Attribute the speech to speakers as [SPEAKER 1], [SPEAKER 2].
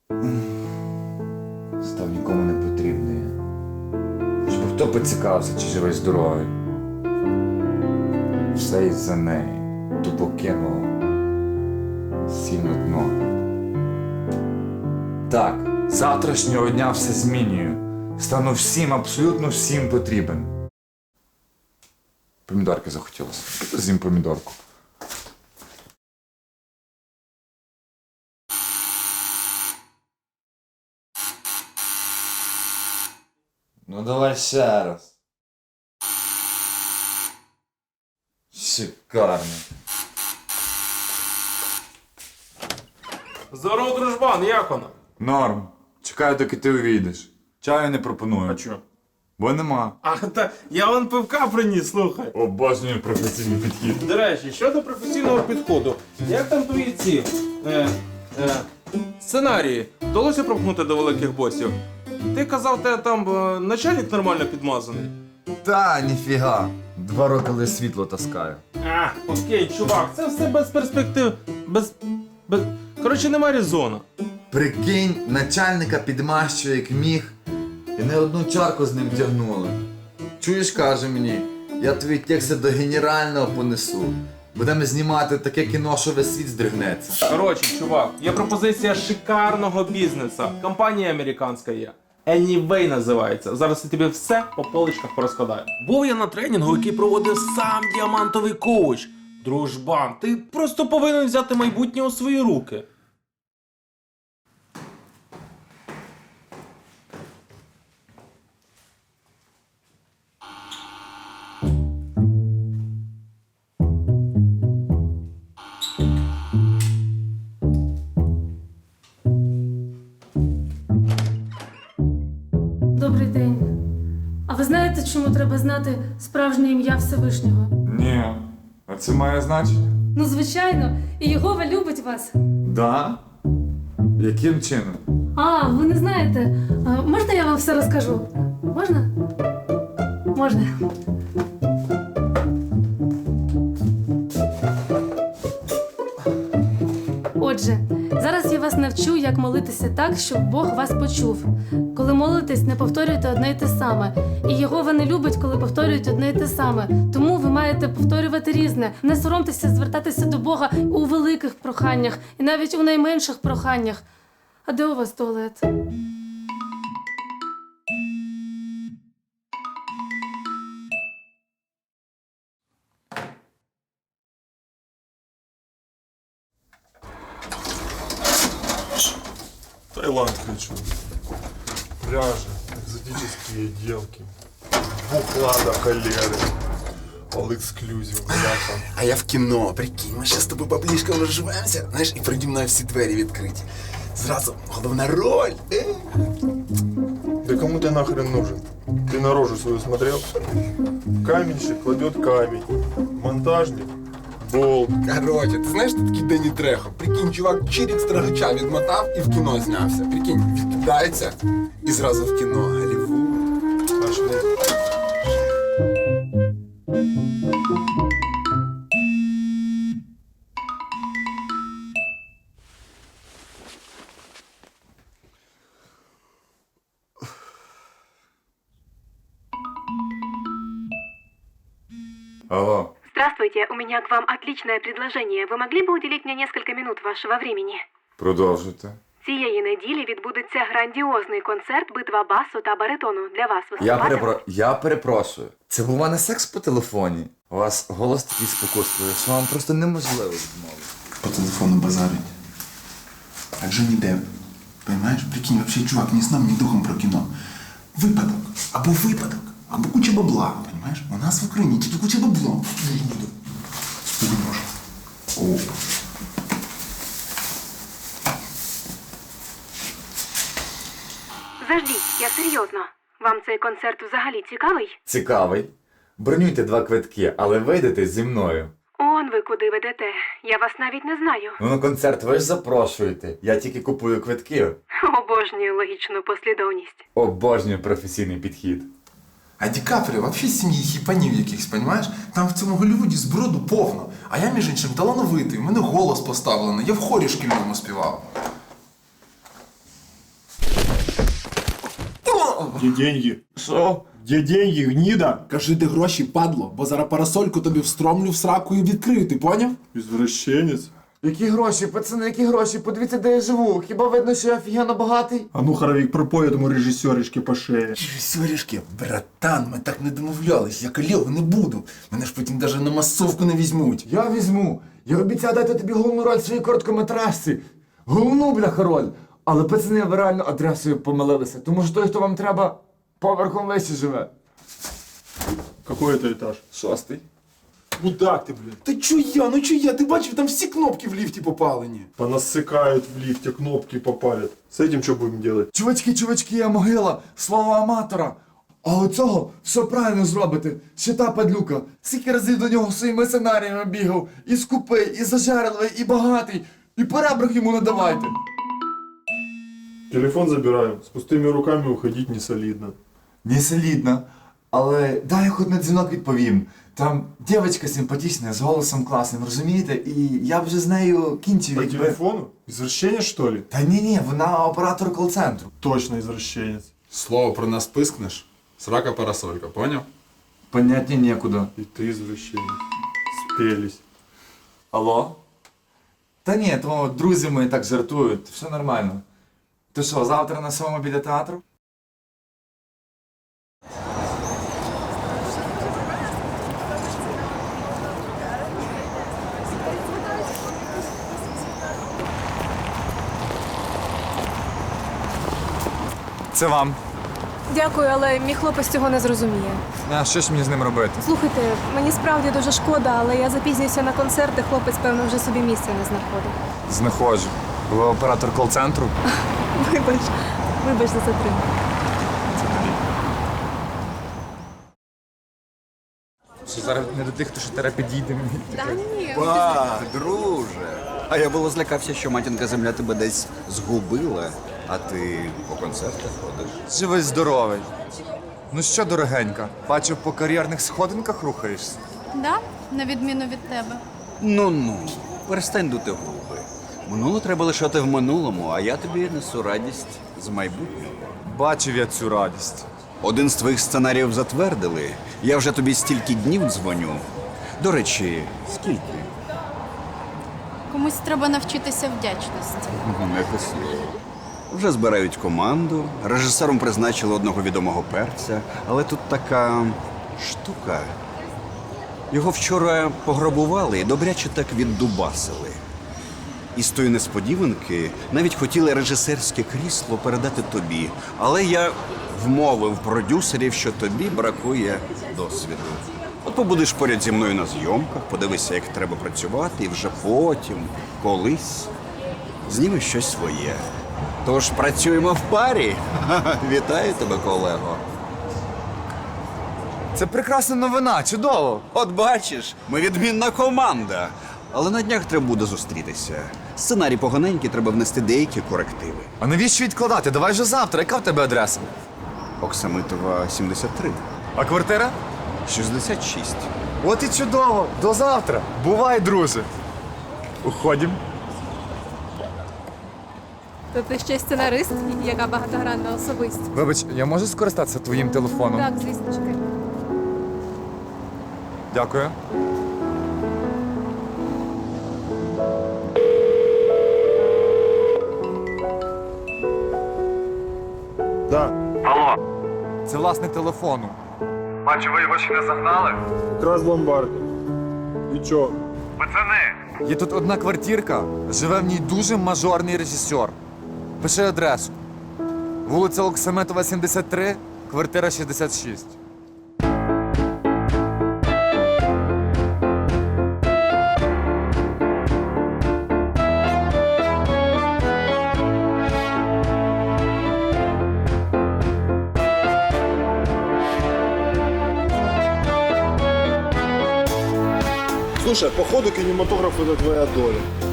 [SPEAKER 1] Став нікому не потрібний. Щоб хто поцікавився, чи живий здоровий. Все із-за неї. Тупо кинув. Сів на дно. Так, з завтрашнього дня все змінюю. Стану всім, абсолютно всім потрібен. Помідорки захотілося. З'їм помідорку. Ну давай ще раз. Шикарно.
[SPEAKER 2] Здорово, дружбан, як вона?
[SPEAKER 1] Норм. Чекаю, доки ти увійдеш. Чаю не пропоную.
[SPEAKER 2] А чо?
[SPEAKER 1] Бо нема.
[SPEAKER 2] А, та я вон пивка приніс, слухай.
[SPEAKER 1] Обожнюю професійний підхід.
[SPEAKER 2] До речі, щодо професійного підходу, як там твої ці сценарії? Вдалося пропхнути до великих босів? Ти казав, те там начальник нормально підмазаний.
[SPEAKER 1] Та, ніфіга. 2 роки лише світло таскаю.
[SPEAKER 2] А, окей, чувак, це все без перспектив. Коротше, нема резона.
[SPEAKER 1] Прикинь, начальника підмащує як міг. І не одну чарку з ним тягнули. Чуєш, каже мені, я твої тексти до генерального понесу. Будемо знімати таке кіно, що весь світ здригнеться.
[SPEAKER 2] Коротше, чувак, є пропозиція шикарного бізнесу. Компанія американська є. Anyway називається. Зараз я тобі все по поличках порозкладаю. Був я на тренінгу, який проводив сам діамантовий коуч. Дружбан, ти просто повинен взяти майбутнє у свої руки.
[SPEAKER 3] Добрий день. А ви знаєте, чому треба знати справжнє ім'я Всевишнього?
[SPEAKER 1] Ні, а це має значення?
[SPEAKER 3] Ну, звичайно, і Єгова любить вас.
[SPEAKER 1] Да? Яким чином?
[SPEAKER 3] А, ви не знаєте. Можна я вам все розкажу? Можна? Можна. Отже, зараз я вас навчу, як молитися так, щоб Бог вас почув. Коли молитесь, не повторюйте одне й те саме. І Єгова не любить, коли повторюють одне й те саме. Тому ви маєте повторювати різне. Не соромтеся звертатися до Бога у великих проханнях і навіть у найменших проханнях. А де у вас туалет?
[SPEAKER 4] Таиланд хочу. Пляжи, экзотические девки. Бухла до холеры. All exclusive, бляха.
[SPEAKER 5] А я в кіно, прикинь, ми ще з тобою баблішком розживаємося, знаєш, і переді мною всі двері відкриті. Зразу головна роль.
[SPEAKER 4] Да кому ты нахрен нужен? Ты на рожу свою смотрел? Каменщик кладет камень. Монтажник — болт.
[SPEAKER 5] Короче, ти знаєш, ти такий Дені Трехо. Прикинь, чувак чирік строгача відмотав і в кіно знявся. Прикинь, відкидається і зразу в кіно. Голлівуд.
[SPEAKER 4] Пошли.
[SPEAKER 1] Алло.
[SPEAKER 6] Здравствуйте, у меня к вам отличное предложение. Ви могли б уделить мне несколько минут вашего времени?
[SPEAKER 1] Продовжуйте.
[SPEAKER 6] Цієї неділі відбудеться грандіозний концерт «Битва басу та баритону». Для вас виступати?
[SPEAKER 1] Я перепрошую. Це був у мене секс по телефоні? У вас голос такий спокусливий, що вам просто неможливо відмовити.
[SPEAKER 5] По телефону базарить. Так же ніде. Понимаєш? Прикинь, вообще чувак ні сном, ні духом про кіно. Випадок, або куча бабла, понимаєш? У нас в Україні тільки куча бабла. Не буду. Спуди може. О.
[SPEAKER 6] Заждіть, я серйозно. Вам цей концерт взагалі цікавий?
[SPEAKER 1] Цікавий. Бронюйте 2 квитки, але вийдете зі мною.
[SPEAKER 6] Он ви куди ведете. Я вас навіть не знаю.
[SPEAKER 1] Ну на концерт ви ж запрошуєте. Я тільки купую квитки.
[SPEAKER 6] Обожнюю логічну послідовність.
[SPEAKER 1] Обожнюю професійний підхід.
[SPEAKER 5] А Ді Капріо вообще з сім'ї хіпанів якихось, понімаєш? Там в цьому Голлівуді зброду повно. А я, між іншим, талановитий, в мене голос поставлений, я в хорі шкільному співав.
[SPEAKER 4] Где деньги?
[SPEAKER 1] Що?
[SPEAKER 4] Где деньги, гнида?
[SPEAKER 5] Кажи, де гроші, падло, бо зараз парасольку тобі встромлю в сраку і відкрию, ти поняв?
[SPEAKER 4] Извращенец.
[SPEAKER 1] Які гроші, пацани, які гроші? Подивіться, де я живу. Хіба видно, що я офігенно багатий?
[SPEAKER 4] А ну, Хоровик, пропой этому режиссеришке по шее.
[SPEAKER 5] Сорішки, братан, ми так не домовлялись, я калєв не буду. Мене ж потім навіть на масовку не візьмуть.
[SPEAKER 1] Я візьму. Я обіцяю дати тобі головну роль в своїй короткометражці. Головну, бляха, роль. Але, пацани, ви реально адресою помилилися. Тому що той, хто вам треба, поверхом вище живе.
[SPEAKER 4] Какой это этаж?
[SPEAKER 1] 6.
[SPEAKER 4] Мудак ты, блин.
[SPEAKER 5] Та чуя, ну чуя, ти бачив, там всі кнопки в ліфті попалені.
[SPEAKER 4] Понасыкают в лифте, кнопки попалят. С этим что будем делать?
[SPEAKER 1] Чувачки, я могила, слово аматора. А оцього все правильно зробите. Ще та падлюка. Скільки разів до нього своїми сценаріями бігав. І скупий, і зажерливий, і багатий. І поребрик йому не давайте.
[SPEAKER 4] Телефон забираем. С пустыми руками уходить не солидно.
[SPEAKER 1] Не солідно. Але дай я хоч на дзвінок відповім. Там дівчинка симпатична, з голосом класним, розумієте? І я б вже з нею кінчив,
[SPEAKER 4] По
[SPEAKER 1] якби...
[SPEAKER 4] телефону? Извращенец, что ли?
[SPEAKER 1] Та ні, вона оператор кол-центру.
[SPEAKER 4] Точно извращенец.
[SPEAKER 5] Слово про нас пискнеш, срака парасолька, поняв?
[SPEAKER 1] Поняття нікуди.
[SPEAKER 4] И ты извращенец. Спелись.
[SPEAKER 1] Алло? Та ні, то друзі мої так жартують, все нормально. То що, завтра на 7 біля театру? Це вам.
[SPEAKER 7] Дякую, але мій хлопець цього не зрозуміє.
[SPEAKER 1] А що ж мені з ним робити?
[SPEAKER 7] Слухайте, мені справді дуже шкода, але я запізнююся на концерт, і хлопець, певно, вже собі місця не знаходить.
[SPEAKER 1] Знаходжу. Ви оператор кол-центру?
[SPEAKER 7] Вибач за затримку.
[SPEAKER 1] Що зараз не до тих, хто ще треба підійде мені.
[SPEAKER 8] Ба, друже. А я було злякався, що матінка земля тебе десь згубила, а ти по концертах ходиш.
[SPEAKER 1] Живий здоровий. Ну що, дорогенька, бачу, по кар'єрних сходинках рухаєшся.
[SPEAKER 9] Да? На відміну від тебе.
[SPEAKER 8] Ну, перестань дути губи. Минуле треба лишати в минулому, а я тобі несу радість з майбутнього.
[SPEAKER 1] Бачив я цю радість.
[SPEAKER 8] Один з твоїх сценаріїв затвердили. Я вже тобі стільки днів дзвоню. До речі, скільки?
[SPEAKER 9] Комусь треба навчитися вдячності.
[SPEAKER 8] Не слово. Вже збирають команду, режисером призначили одного відомого перця, але тут така штука. Його вчора пограбували і добряче так віддубасили. І з тої несподіванки навіть хотіли режисерське крісло передати тобі, але я вмовив продюсерів, що тобі бракує досвіду. От побудеш поряд зі мною на зйомках, подивися, як треба працювати, і вже потім, колись, знімеш щось своє. Тож працюємо в парі. Вітаю тебе, колего.
[SPEAKER 1] Це прекрасна новина, чудово.
[SPEAKER 8] От бачиш, ми відмінна команда. Але на днях треба буде зустрітися. Сценарій поганенький, треба внести деякі корективи.
[SPEAKER 1] А навіщо відкладати? Давай вже завтра. Яка в тебе адреса?
[SPEAKER 8] Оксамитова, 73.
[SPEAKER 1] А квартира?
[SPEAKER 8] 66.
[SPEAKER 1] От і чудово. До завтра. Бувай, друже. Уходім.
[SPEAKER 7] То ти ще сценарист, яка багатогранна особистість.
[SPEAKER 1] Вибач, я можу скористатися твоїм телефоном?
[SPEAKER 7] Так, звісно, чекай.
[SPEAKER 1] Дякую.
[SPEAKER 4] Да.
[SPEAKER 1] Це власник телефону. Бачу, ви його ще не загнали?
[SPEAKER 4] Якраз ломбард. И чё?
[SPEAKER 1] Є тут одна квартирка, живе в ній дуже мажорний режисер. Пиши адресу. Вулиця Оксаметова, 73, квартира 66.
[SPEAKER 4] Слушай, походу кинематограф это твоя доля.